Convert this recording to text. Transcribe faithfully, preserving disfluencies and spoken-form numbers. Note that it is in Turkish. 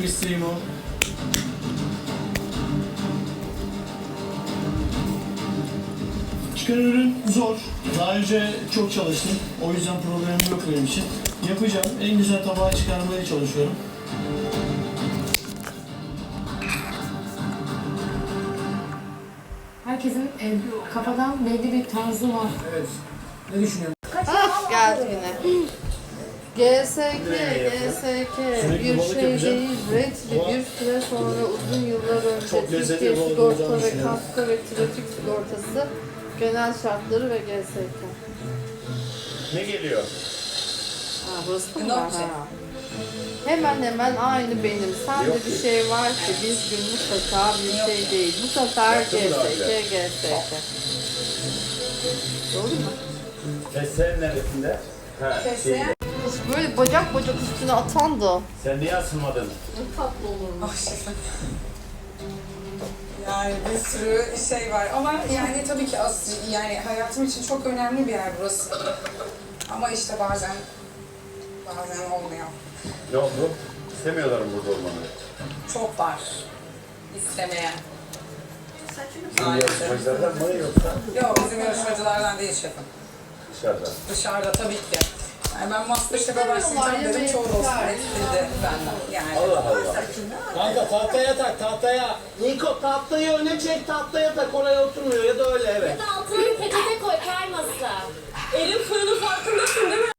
bir isteğim o. Çıkan ürün zor. Daha önce çok çalıştım. O yüzden problemim yok benim için. Yapacağım. En güzel tabağı çıkarmaya çalışıyorum. Herkesin e, kafadan belli bir tarzı var. Evet. Ne düşünüyorsun? Ah geldi yine. G S K, G S K Sürekli bir balık şey yapacağım. değil, renkli Ama bir süre sonra uzun yıllar önce çok lezzetli Türkiye bir balık sigorta olacağını ve düşünüyorum. kasko ve trafik sigortası genel şartları ve G S K. Ne geliyor? Ha burası mı var? Ha. Hemen hemen aynı benim. Sende bir şey var ki biz gün mutlaka bir şey değil. Bu sefer G S K, G S K. Doğru mu? Fesleğen neresinde? Ha, şeyde. Kız böyle bacak bacak üstüne atan da. Sen niye asılmadın? Ne tatlı olurmuş. Ah şefim. Yani bir sürü şey var ama yani tabii ki az, yani hayatım için çok önemli bir yer burası. Ama işte bazen bazen olmuyor. Ne oldu? İstemiyorlarım burada olmanı. Çok var istemeyen. Bizim yarışmacılardan mı yoksa Yok bizim yarışmacılardan değil şefim. dışarıda? Dışarıda tabii ki. Yani ben Masterchef'e İstemiyorlar, başlayacağım dedim yemeği çoğu dostum tutar. etkiledi benden. Yani. Allah Allah. Kanka tahtaya tak tahtaya. Niko tahtayı öne çek tahtaya tak oraya oturmuyor ya da öyle evet. Altına bir peçete koy kaymasın. Elin fırının farkındasın değil mi?